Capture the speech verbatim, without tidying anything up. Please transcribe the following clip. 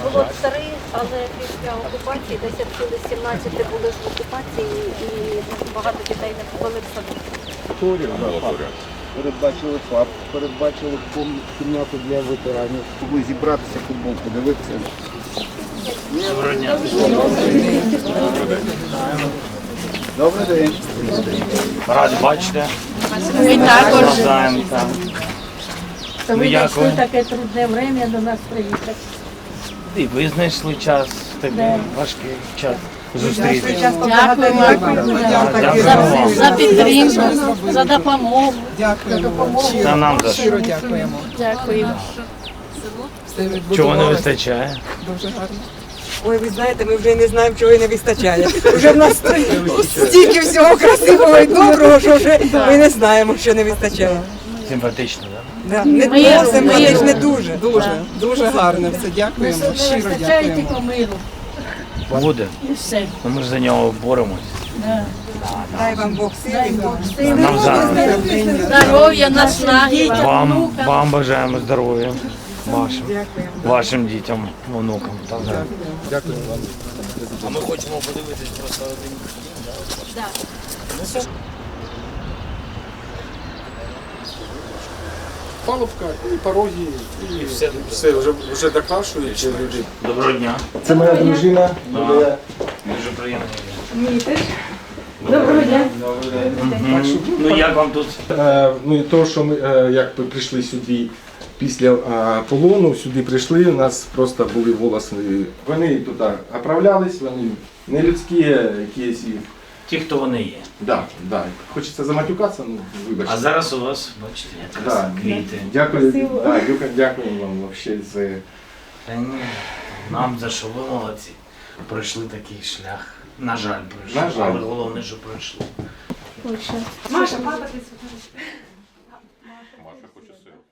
Було три, але після окупації, десь відсюди сімнадцяти були ж в окупації і багато дітей не попали в садок. Передбачили ФАП, передбачили кімнату для ветеранів. Могли зібратися, футбол подивитися. Доброго дня. Добрий день. Раді бачите. Ми також. Навзаєм, так. То Ну, ви як знайшли ви? таке трудне время до нас приїхати. І ви знайшли час, в такий важкий час зустрітися. Дякуємо за, за підтримку, за допомогу. Дякуємо. Та нам за Щиро що. дякуємо. Дякуємо. Все Чого не відбудувалося вистачає? дуже гарно. Ой, ви знаєте, ми вже не знаємо, чого і не вистачає. Вже в нас стільки всього красивого і доброго, що вже ми не знаємо, що не вистачає. Симпатично, так? Да. Не Ми- то, симпатичне ми- дуже. Дуже, дуже гарно. Все, дякуємо. Не Щиро вистачає дякуємо. тільки миру. Буде. І все. Ну, ми ж за нього боремось. Да. Дай вам Бог Дай сили. Бог сили, Нам за здоров'я, наснаги. вам, вам бажаємо здоров'я. Вашим, Дякуємо. вашим дітям, онукам. Так, так. Дякую вам. А ми хочемо подивитись просто один. Палубка і пороги, і все. все вже, вже докрашують люди. Доброго дня. Це моя дружина. Юлія. Дуже приємно. Доброго дня. Мгм. Ну як вам тут? Е, Ну і то, що ми е, як ми прийшли сюди після е, полону, сюди прийшли, у нас просто були волоси. Вони тут оправлялись, вони не людські, якісь. і- Ті, хто вони є. Да, да. Хочеться заматюкатися, ну вибачте. А зараз у вас, бачите, якраз Да. квіти. Дякую, да, дякую, дякую вам вообще за. Та ні, нам за що ви молодці. Пройшли такий шлях. На жаль, пройшли. На жаль. Але головне, що пройшли. Маша, Маша, папа, ти сфотографуєш. Маша хоче сир.